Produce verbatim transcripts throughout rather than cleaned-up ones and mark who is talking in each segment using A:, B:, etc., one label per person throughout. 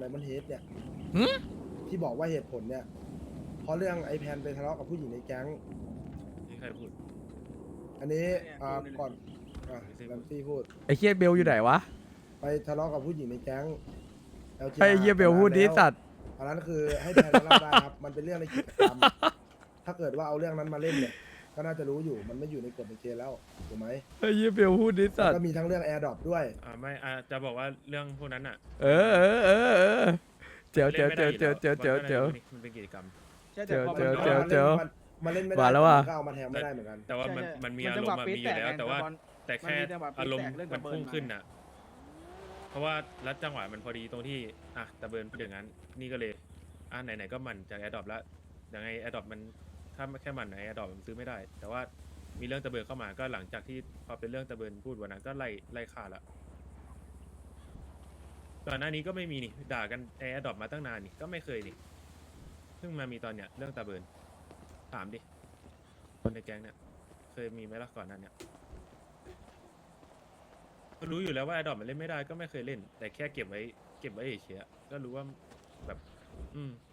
A: ไดมอนด์เฮดเนี่ย
B: หึ
A: ที่บอกว่าเหตุผลเนี่ยเพราะเรื่องไอแพนไปทะเลาะกับผู้หญิงในแก๊ง
C: นี่ใครพูด
A: อันนี้อ่าก่อนอ่ะแลมซี่พูด
B: ไอ้เฮียเบลอยู่ไหนวะ
A: ไปทะเลาะกับผู้หญิงในแก๊ง แอล จี
B: ให้ไอ้เฮียเบลพูดดิสัตว์
A: อันนั้นคือให้แพนรับได้ครับมันเป็นเรื่องในกิจกรรม ถ้าเกิดว่าเอาเรื่องนั้นมาเล่นเนี่ยก็น่าจะรู้อยู่มันไม่อยู่ในกฎในเกณฑ์แล้วถูกไหม
B: ไอ้เฮียเบลพูดดิสัตว์
A: ก็มีทั้งเรื่องแอร์ดรอปด้วย
C: อ่าไม่อ่าจะบอกว่าเรื่องพวกนั้นอ่ะ
B: เออเออเออเออเจ๋วเจ๋ว
C: ล่นไม่
B: เจ๋ว
C: ได้
B: เจ๋ว
C: อยู่
B: เจ๋ว
C: แล้ว
B: เจ๋วเจ๋ว
C: มันเป็นกิจกรรม
D: ใช่แต่พอ
B: เจ
D: มัน
B: อเจอเจอ
A: มาเล่นไม่ได้
B: มาแล้วว่ะ
A: ก็เอามาแทงไม่ได้เหมือนกัน
C: แต่ว่ามัน
D: ใช่
C: มันมี
D: มัน
C: อา
D: จัง
C: ร
D: ห
C: ม
D: วะ
C: ณ์มัน
D: ปี๊ด
C: มีอยู่แล้ว
D: แตกไง
C: แต่ว่า
D: บอล
C: แต่แค่
D: มันมีจังหวะปี๊ด
C: อารมณ์
D: แตกเรื่อง
C: มัน
D: ตะเบิร์น
C: พุ่ง
D: มา
C: ขึ้นอ่ะ เพราะว่ารัดจังหวะมันพอดีตรงที่อ่ะตะเบิร์นพูดอย่างนั้น นี่ก็เลยอ่ะไหนๆก็มันจากแอดดอปแล้วยังไงแอดดอปมันถ้าแค่มันไหนแอดดอปมันซื้อไม่ได้ แต่ว่ามีเรื่องตะเบิร์นเข้ามาก็หลังจากที่พอเป็นเรื่องตะเบิร์นพูดวันนั้นก็ไล่ไล่ฆ่าละก่อนหน้านี้ก็ไม่มีนี่ด่ากันแอดดอปมาตั้งนานนี่ก็ไม่เคยนี่เพิ่งมามีตอนเนี้ยเรื่องตะเบิร์นถามดิคนในแก๊งเนี่ยเคยมีไหมล่ะก่อนหนั้นเนี่ยก็รู้อยู่แล้วว่าแอดดอปมันเล่นไม่ได้ก็ไม่เคยเล่น แต่แค่เก็บไว้เก็บไว้เฉยๆก็รู้ว่าแบบ อืม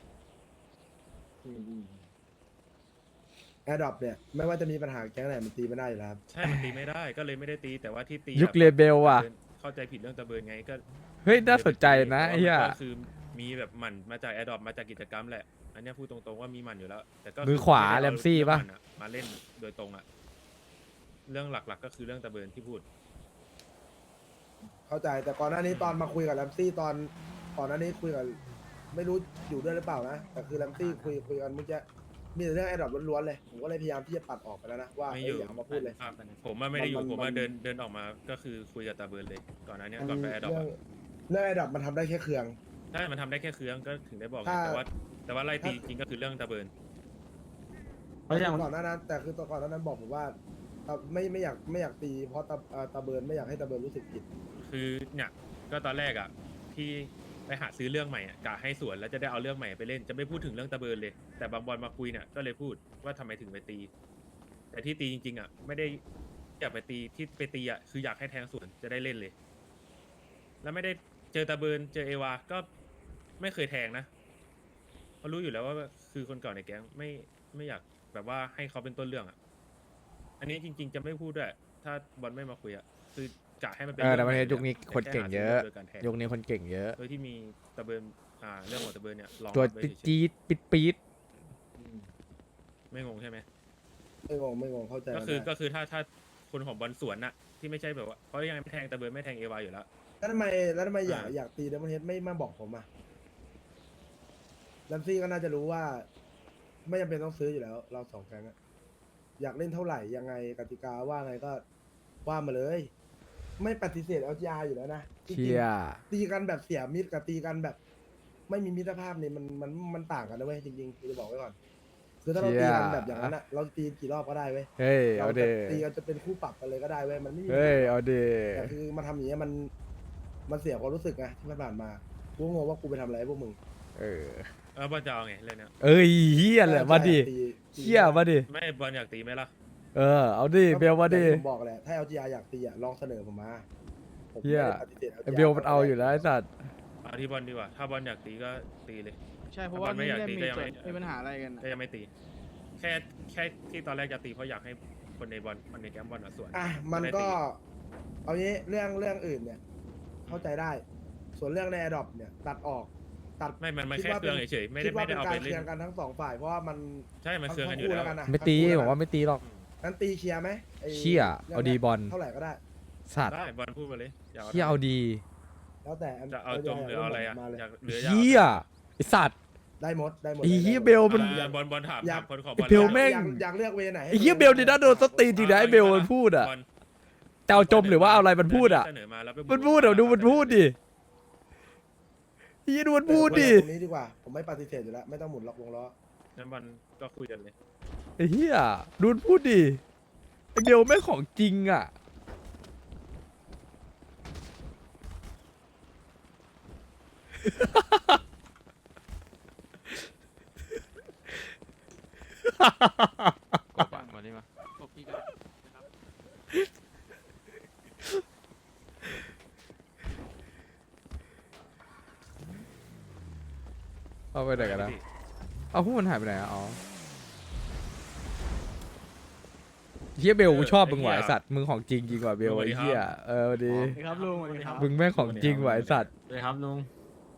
A: แอร์ดรอปเนี่ยไม่ว่าจะมีปัญหาแก๊งไหนมันตีไม่ได้อยู่แล้วครับ
C: ใช่มันตีไม่ได้ก็เลยไม่ได้ตีแต่ว่าที่ตี
B: ยุค
C: แบบ
B: เลเบลว่ะ
C: เข้าใจผิดเรื่องตะเบิร์นไงก็
B: เฮ้ยน่าสนใจนะไอ้เหี้ย
C: ก็คือมีแบบหมันมาจากแอดดอปมาจากกิจกรรมแหละ อันเนี้ยพูดตรงๆว่ามีหมันอยู่แล้ว แต่ก็
B: มือขวา
C: ไได้เอ
B: แรมซี่ปะ
C: เรื่องหมั่นอมาเล่นโดยตรงอะเรื่องหลักๆก็คือเรื่องตะเบิร์นที่พูด
A: เข้าใจแต่ก่อนหน้านี้ตอนมาคุยกับแรมซี่ตอนก่อนหน้านี้คุยกับไม่รู้อยู่ด้วยหรือเปล่านะแต่คือแรมซี่คุยคุยกันเมื่อกี้มีแต่เรื่องแอร์ดรอปล้วนๆเลยผมก็เลยพยายามที่จะปัดออกไปแล้วนะว่า
C: ไม่
A: เอ้
C: อย ยู่
A: อย่าเอามาพูดเลย
C: ครับผมว่าไม่ได้อยู่
A: มัน
C: ผมว่า
A: มัน
C: เดินเดินออกมาก็คือคุยกับตาเบิร์นเลย ก่อนหน้านี้ก่อนไปแอดดอป
A: เรื่องเรื่องแอร์ดรอปมันทำได้แค่เครื่อง
C: ใช่มันทำได้แค่เครื่องก็ถึงได้บอกไง
A: ถ้า
C: แต่ว่า แต่ว่าไล่ตีจริงก็คือเรื่องตาเบิร์น
D: เพราะอย่าง
A: ก่อนหน้านั้น แต่คือตอนก่อนหน้านั้นบอกผมว่าตาไม่ไม่อยากไม่อยากตีเพราะตาเอ่อตาเบิร์นไม่อยากให้ตาเบิร์นรู้สึกผิด
C: คือเนี่ยก็ตอนแรกอ่ะที่ไปหาซื้อเรื่องใหม่อ่ะกะให้สวนแล้วจะได้เอาเรื่องใหม่ไปเล่นจะไม่พูดถึงเรื่องตะเบิร์นเลย แต่บางบอลมาคุยเนี่ยก็เลยพูดว่าทำไมถึงไปตี แต่ที่ตีจริงๆอ่ะไม่ได้อยากไปตีที่ไปตีอ่ะคืออยากให้แทงสวนจะได้เล่นเลย แล้วไม่ได้เจอตะเบิร์นเจอเอวาก็ไม่เคยแทงนะเพราะรู้อยู่แล้วว่าคือคนเก่าในแก๊งไม่ไม่อยากแบบว่าให้เขาเป็นต้นเรื่องอ่ะอันนี้จริง ๆ จะไม่พูดด้วยถ้าบอลไม่มาคุยอ่ะคือกะให้มันเป็น
B: เออแต่
C: รื่อง
B: ประเทศ
C: ให
B: ยุคนี้คนเก่งเยอะ
C: โดยการแทง
B: ยุคนี้คนเก่งเยอะ
C: โดยที่มีตะเบิร์นอ่าเรื่องของตะเบิร์นเนี่ยลอง
B: ตัว
C: รับไว้เฉย
B: จี๊ดปิดปี๊ด
C: ๆไม่งงใช่ไหม
A: ไม่งงไม่งงเข้าใจ
C: ก็คือ
A: ได้
C: ก็คือถ้าถ้าคนของบอลสวนน่ะที่ไม่ใช่แบบว่าเพราะยังไงไม่แทงตะเบิร์นไม่แทงเอวาอยู่แล้ว
A: แล้วทำไมแล้วทำไมอยาก
C: อ่า
A: อยากตีเดมอนเฮดไม่มาบอกผมอ่ะแรมซี่ก็น่าจะรู้ว่า ไม่จำเป็นต้องซื้ออยู่แล้ว เราสองแก๊งอะอยากเล่นเท่าไหร่ยังไงกติกาว่าไงก็ว่ามาเลย ไม่ปฏิเสธ แอล จี อาร์ อยู่แล้วนะจริงๆ
B: เชี่ย
A: ตีกันแบบเสียมิตรกับตีกันแบบ ไม่มีมิตรภาพเนี่ยมันมันมันต่างกันนะเว้ยจริงๆคือจะบอกไว้ก่อน คือถ้าเราตีกันแบบอย่างนั้นอะเราตีกี่รอบก็ได้เว้ย
B: เฮ้ย
A: เรา
B: เอา
A: จะ
B: เด
A: ตีกันจะเป็นคู่ปรับกันเลยก็ได้เว้ยมันไม่มี
B: เฮ้ยเอาเด
A: แต่คือมาทำอย่างเงี้ยมันมันเสียความรู้สึกไงที่ผ่านมากูงงว่ากูไปทำอะไรให้พวกมึง
B: เออ
C: แล้วบอลจะเอาไงเรื่องเนี้ย
B: เอ้ยเฮียแหละมาดิ
A: ตีตี
B: เฮียมาดิ
C: ไม่บอลอยากตีไหมล่ะ
B: เออเอาดิเบลมาดิ
A: อย่งที่ผมบอกแหละถ้า แอล จี อาร์ อยากตีอะลองเสนอผมมาผม
B: เหี้ย
A: ไม่ได้ปฏิเสธ
B: ไอ้เบลมันเอาอยู่แล้วไอ้สัตว์
C: เอาที่บอลดีกว่า ถ้าบอลอยากตีก็ตีเลย
D: ใช่เพราะว่า
C: บอลไม่
D: นี่
C: อยาก
D: เล่น
C: ตี
D: มี
C: ก็ยัง
D: ส่
C: ไม่
D: วนมีปัญหาอะไรกัน
C: ก็ยังไม่ตี แค่แค่ที่ตอนแรกจะตีเพราะอยากให้คนในบอลคนในแก๊งบอลมาสวน
A: อ่ะมันก็ เอางี้เรื่องเรื่องอื่นเนี่ย เข้าใจได้ ส่วนเรื่องใน Adopt เนี่ย ตัดออก ตัด
C: ไม่มันมัน
A: คิด
C: แค่
A: ว่า
C: เครื่อง
A: เป็น
C: เฉยๆไม่ได้
A: คิด
C: ไม่
A: ว่า
C: ได้
A: เป็น
C: เอา
A: กา
C: ไป
A: รเค
C: เล่
A: ลีย
C: น
A: ร์กันทั้งสองฝ่ายเพราะว่ามัน
C: ใช่มันเครื่องกันอยู่
A: ทั้
C: แล้ว
A: คู่กันนะ
B: ไม่ตี
A: ทั้งคู่
B: บอกว่าไม่ตีหรอก
A: งั้นตีเคลียร์ไหมไอ้
B: เชี่ย
A: รื่ง
B: เอาดีบอล
A: เท่าไหร่ก็ได้
B: สัตว์
C: ได้บอลพูดมาเลยอยาก
B: เฮียเอาดี
A: แล้วแต่
C: จะเอาจมหรือเอาอะไรอ่ะ
A: มาเลย
C: อยากหรืออยาก
B: เฮียไอสัตว์
A: ได้หมดได้หมด
B: ไอ้เหี้ย
A: ได้หมด
B: เบลมัน
C: อ่าบอลบอลถาม
A: อยาก
C: ถามคนของบ
B: ไอ้
C: อล
B: เบล
C: แล้ว
B: แม่ง
A: อยากอยากเลือกเวไหนให้
B: ไอ้เฮียเบลนี่น่าโดนสตีนจริงนะไอเบลมันพูดอ่ะ
C: บล
B: จะเอาจมหรือว่าเอาอะไรมันพูดอ่ะ
C: เสนอมาแล้วไป
B: มันพูดเดี๋ยวดูมันพูดดิเฮียดูมันพูดดิ
A: ตรงนี้ดีกว่า ผมไม่ปฏิเสธอยู่แล้ว ไม่ต้องหมุนล็อกวงล้อ
C: งั้นบอลก็คุยกันเลย
B: ไอ้เฮียดูมันพูดดิไอเบลแม่งของจริงอ่ะเอาไปไหนกันนะเอาพวกมันหายไปไหนอะอ๋อเฮียเบลกูชอบมึงว่ะไอสัตว์มึงของจริงจริงกว่าเบลไอ้เฮียเออดี
D: สวัสดีครับลุงสวัสดีครับ
B: มึงแม่งของจริงว่ะไอสัตว์
D: สวัสดีครับลุง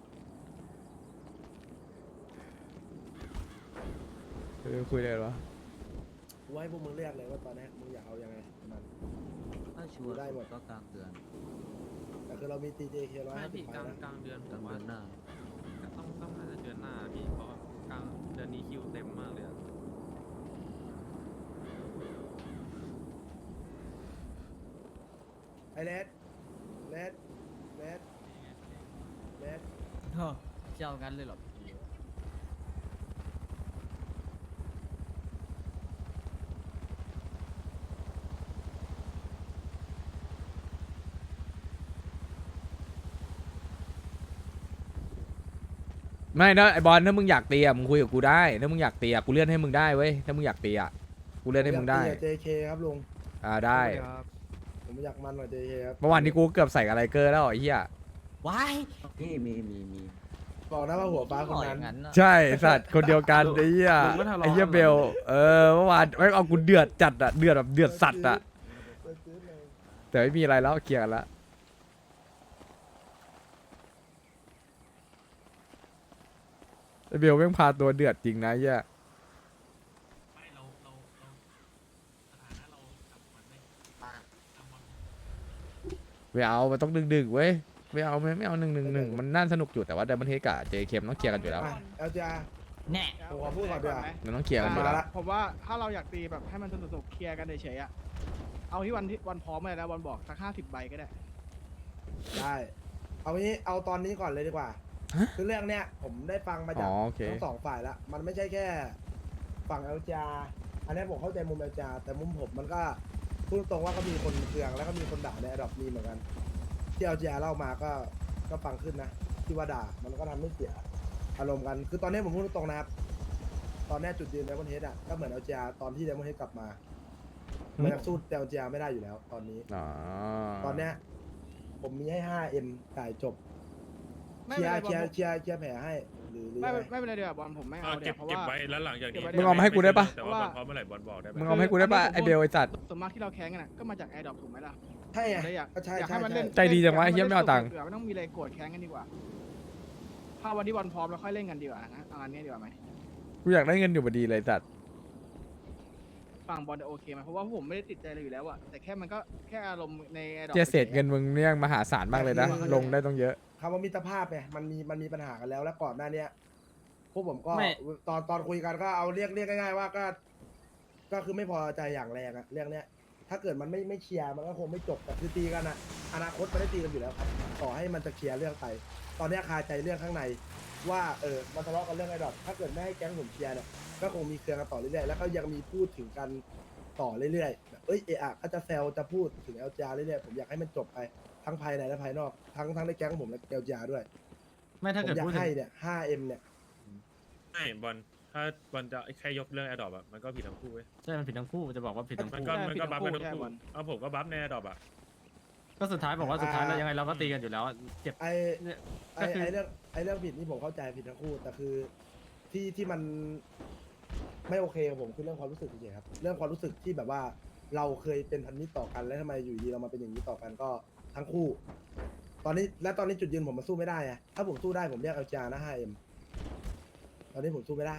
B: เออคุยได้เหรอ
A: กูให้พวกมึงเลือกเลยว่าตอนนี้มึงอยากเอายังไงมัน
E: ถ้าชัวร์
A: ได้หมด
E: ก็กลางเดือน
A: แต่คือเรามี ตี เจ เค ร้อย
F: ไม่
A: ห้าสิ
F: พี่
A: บ
F: กลาง
A: นะ
F: กลางเดือน
E: กลางเดือนหน้า
F: ต้องต้องน่าจะเดือนหน้าพี่เพราะว่ากลางเดือนนี้คิวเต็มมากเลยอะ
A: ไอเลสเลสเลสเลส
E: เฮ้อเชี่ยวงั้นเลยเหรอ
B: ไม่นะไอบอลถ้ามึงอยากตีอะมึงคุยกับกูได้ถ้ามึงอยากตีอะกูเลื่อนให้มึงได้เว้ยถ้ามึงอยากตีอะกูเลื่อนให้มึงได้
A: อยากตีกับ เจ เค ครับลุง
B: อ่าได้
A: ผมอยากมันกว่า เจ เค ครับ
B: เมื่อวานนี้กูเกือบใส่อะไรเกอร์แล้วไอ้เหี้ย
E: ว้ายนี่มีมีมี
A: บอกนะว่าหัวฟ้าคน
E: หล่ออ
A: นั้น
E: ย่างนั้นอะ
B: ใช่สัตว์คนเดียวกันไอ้เหี้ย
D: มึงไม่ทะเลาะ
B: ไอ้เหี้ย
D: กัน
B: เบลเออเมื่อวานไม่เอากูเดือดจัดอะเดือดแบบเดือดสัตว์อะแต่ไม่มีอะไรแล้วเคลียร์กันละไอ้เบลแม่งพาตัวเดือดจริงนะไอ้เหี้ย
F: ไม่เราเราเราสถานะเรากับมันไม่ทำมัน
B: ไม่เอามันต้องดึงดึงๆเว้ยไม่เอาไม่ไม่เอาหนึ่งหนึ่งหนึ่งมันน่าสนุกอยู่แต่ว่าเดมอนเฮกกับเจเคมต้องเคลียร์กันอยู่แล้ว
A: เอลจีอาร์
E: แน่
A: ผมขอพูดก่อนดีกว่า
B: มันต้องเคลียร์กันอยู่
A: มา
B: แล้ว
A: ละ
D: ผมว่าถ้าเราอยากตีแบบให้มันสนุกๆเคลียร์กันเฉยๆอะเอาที่วันที่วันพร้อมเลยนะวันบอกสักห้าสิบใบก็ได้
A: ได้ เอางี้เอาตอนนี้ก่อนเลยดีกว่า คือเรื่องเนี้ยผมได้ฟังมา
B: อ๋
A: จาก
B: อโอเค
A: ทั้งสองฝ่ายแล้ว มันไม่ใช่แค่ฝั่งเอลจาอันนี้ผมเข้าใจมุมเอลจาแต่มุมผมมันก็พูดตรงว่าก็มีคนเคืองแล้วก็มีคนด่าในระดับมีเหมือนกัน ที่เอลจาเล่ามาก็ก็ฟังขึ้นนะ ที่ว่าด่ามันก็ทำให้เสียอารมณ์กัน คือตอนนี้ผมพูดตรงๆนะครับ ตอนนี้จุดยืนไดมอนเฮดอ่ะก็เหมือนเอลจาตอนที่ไดมอนเฮดกลับมา มันยังสู้เอลจาไม่ได้อยู่แล้ว ตอนนี้
B: อ๋อ
A: ตอนเนี้ยผมมีให้ ห้าเอ็ม จ่ายจบ
D: ไม่
A: เคลี
D: เป็น
A: ย
D: ไร
A: ร์เคลียร์เคลียร์เคลียร์แผลให้หรือหรือ
D: ไม่
A: ไง
D: ไม่เป็นไรเดี๋ยวบอลผมไม่
C: เอา
D: เอาเดี๋
C: เก็
D: ย
C: บ
D: วเพราะ
C: เก็บ
D: ว่า
C: ไว้แล้วหลังจากนี้
D: มึงเอามาให้กู
B: ได้ปะ
C: แต่ว่าบอลพร้อมเมื่อไหร่บอลบอกได้ไหม
B: มึงเอามาให้กูได้ป่ะไอเบลไอสัตว์
D: ส่วนมากที่เราแข่งกันน่ะก็มาจากแอร์ดรอปถูกไหมล่ะ
A: ใช่ไง
D: เลยอยาก
A: ก็ใช่
D: อยาก
A: ใช่
D: ให้มันเล่น
A: ใช่
B: ใจดีจังวะ
D: อยากให้
B: เหี้ยไม่เอาตังค์
D: เผื่อไม่ต้องมีอะไรโกรธแค้นกันดีกว่า ถ้าวันที่บอลพร้อมเราค่อยเล่นกันดีกว่านะเอาอันนี้ดีกว่าไหม
B: กูอยากได้เงินอยู่พอดีเลยสัตว์
D: ฝั่งบอลจะโอเคไหมเพราะว่าผมไม่ได้ติดใจอะไรอยู่แล้วอะแต่แค่มันก็แค่อารมณ์ในแอร์ดรอป
B: เจียเศษเงินมึงเนี่ยมหาศาลมากเลยนะ ลงได้ต้องเยอะ
A: คำว่ามิตรภาพไงมันมีมันมีปัญหากันแล้วแล้วก่อนหน้าเนี้ยพวกผมก็
E: ไม่
A: ตอนตอนคุยกันก็เอาเรียกเรียกง่ายๆว่าก็ ก็คือไม่พอใจอย่างแรงอะเรื่องเนี้ย ถ้าเกิดมันไม่ไม่เคลียร์มันก็คงไม่จบแต่คือตีกันอะอนาคตมันได้ตีกันอยู่แล้วครับต่อให้มันจะเคลียร์เรื่องไป ตอนเนี้ยคาใจเรื่องข้างใน ว่าเออมันทะเลาะกันเรื่องไอ้ดอทถ้าเกิดไม่ให้แก๊งผมเคลียร์เนี่ยก็คงมีเคลียร์กันต่อเรื่อยๆแล้วก็ยังมีพูดถึงกันต่อเรื่อยๆแบบเอ้ยเอะอะก็จะแซวจะพูดถึงเอลจาเรื่อยๆผมอยากให้มันจบไปทั้งภายในและภายนอกทั้งทั้งในแก๊งผมและเอลจาด้วย
E: ไม่ถ้า
A: ผม
E: เกิด
A: อยาก
E: พูดถึง
A: ให้เนี่ย ห้าเอ็ม เนี่ย
C: ไม่บอลถ้าบอลจะแค่ยกเรื่องแอดดอปอะมันก็ผิดทั้งคู่เว้ย
E: ใช่มันผิดทั้งคู่จะบอกว่าผิดทั้ง
C: มัน
E: คู่
C: ก็
D: ใช่
C: มัน
D: ผิด
C: ก็
D: ทั้
C: บัฟ
D: ง
C: ไป
D: คู่
C: ทั้ง
D: ใช่
C: คู่
D: บอล
C: เอาผมก็บัฟในแอดดอปอะ
E: ก็สุดท้ายบอกว่าสุดท้ายแล้วยังไงเราก็ตีกันอยู่แล้วอะเจ็บ
A: ไอ
E: เนี่ย
A: ไอ
E: ก็คือ
A: ไอเรื่องไอเรื่องผิดนี่ผมเข้าใจผิดทั้งคู่ แต่คือที่ที่มันไม่โอเคกับผมคือเรื่องความรู้สึกเฉยๆครับ เรื่องความรู้สึกที่แบบว่าเราเคยเป็นพันธมิตรต่อกันแล้วทำไมอยู่ดีเรามาเป็นอย่างนี้ต่อกันก็ทั้งคู่ ตอนนี้และตอนนี้จุดยืนผมมันสู้ไม่ได้อะถ้าผมสู้ได้ผมเรียกเอลจานะ ห้าเอ็ม ตอนนี้ผมสู้ไม่ได้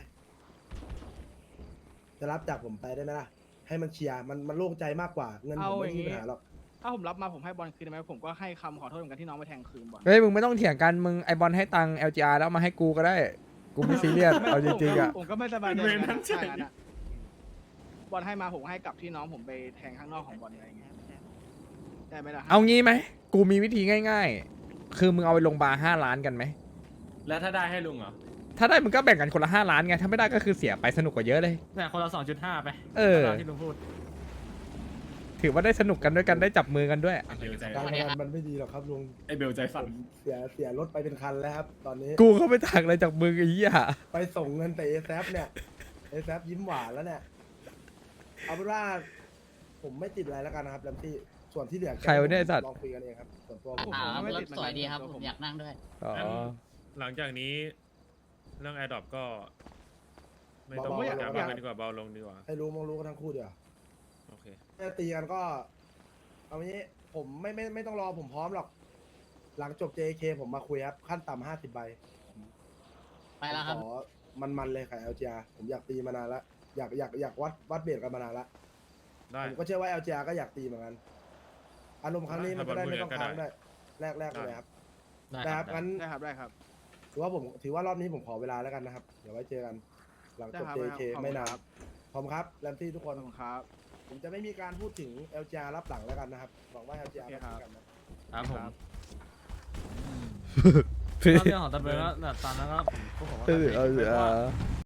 A: จะรับจากผมไปได้ไหมล่ะ ให้มันเคลียร์มันมันโล่งใจมากกว่าเงินผมไม่มีปัญหาหรอก
D: ถ้าผมรับมาผมให้บอลคืนได้ไหมผมก็ให้คำขอโทษเหมือนกันที่น้องไปแทงคืนบอล
B: เฮ้ยมึงไม่ต้องเถียงกันมึงไอบอลให้ตังค์ แอล จี อาร์ แล้วเอามาให้กูก็ได้ กูไม่ซีเรียส เอาจริงๆอ่ะ
D: ผมก็ไม่สบายใจเหมือนกันถ้างั้นอะบอลให้มาผมให้กลับที่น้องผมไปแทงข้างนอกของบอลอะไรอย่างเงี้ยได้ไหมล่ะ
B: เอางี้ไหมกูมีวิธีง่าย ๆ คือมึงเอาไปลงบาร์ห้าล้านกันไหม
E: แล้วถ้าได้ให้ลุงเหรอ
B: ถ้าได้มึงก็แบ่งกันคนละห้าล้านไงถ้าไม่ได้ก็คือเสียไปสนุกกว่าเยอะเลย
E: แต่คนละสองจุดห้าไป
B: เออ
E: ตามที่ลุงพูด
B: ถือว่าได้สนุกกันด้วยกันได้จับมือกันด้วย
C: เบลใจ
A: การพนันมันไม่ดีหรอกครับลุง
E: ไอเบลใจสั่น
A: ผมเสียเสียรถไปเป็นคันแล้วครับ ตอนนี้
B: กูเข้าไปถักอะไรจากมึงไอ้เหี้ย
A: ไปส่งเงินแต่เอแซเนี่ยเอแซยิ้มหวานแล้วเนี่ย เอาเป็นว่าผมไม่ติดอะไรแล้วกันนะครับแลมซี่ส่วนที่เหลือ
B: ใครวะเนี่ยไอ้สัตว์
A: ลองคุยกันเองครับ ส่วนตัวผม
D: ผม
G: อ่า
D: ก็ไม่
G: รถ
D: ติดเหมือน
G: ส
D: กั
G: วย
D: น
G: ดีครับ
D: ตัว
G: ผมอยากนั่งด้วย
B: อ๋อ
C: หลังจากนี้เรื่องแอร์ดรอปก็ ไม่ต้อง
A: เบาๆ
C: พูด
A: เบาๆ
C: กันดีกว่าเบาลงดีกว่า
A: ให้รู้มองรู้กันทั้งคู่เดียว
C: โอเค
A: ถ้าตีกันก็ เอางี้ผมไม่ไม่ไม่ต้องรอผมพร้อมหรอก หลังจบ เจ เค ผมมาคุยครับ ขั้นต่ำห้าสิบใบ
G: ไปแล้วครับ
A: ขอมันๆเลยค่ะ แอล จี อาร์ ผมอยากตีมานานละอยากอยากอยากวัดวัดเบรกกันมานานละ
C: ได้
A: ผมก็เชื่อว่า แอล จี อาร์ ก็อยากตีเหมือนกัน อารมณ์ครั้งนี้มันจะได้ไม่ต้องค้างได้แรกแรกเลยครับ
E: ได้
A: ได้
E: ค
A: ค
E: รั
A: รั
E: บบ
A: งั้น
D: ได้ครับได้ครับ
A: ถือว่าผมถือว่ารอบนี้ผมขอเวลาแล้วกันนะครับ เดี๋ยวไว้เจอกัน หลังจบ
D: ได้
A: เจ
D: ครับ
A: เค
D: ขอบคุณ
A: ไม่นา
D: คน รับ
A: พร้อมครับแรมซี่ทุกค
D: ขอน บคุณครับ
A: ผมจะไม่มีการพูดถึง แอล จี อาร์ รับหลังแล้วกันนะครับหวังว่า แอล จี อาร์
D: โอ
A: มา
D: เคครับ
A: คุยกันนะ
E: ครับผม
D: ครับ
E: ก็เรื่องของตะเบิร์นก็แบบตอนนั้นก็ผมก็บอกว่า
B: เออ
E: ตะ
B: เอ
E: เบิร์น
B: อ
E: ว่า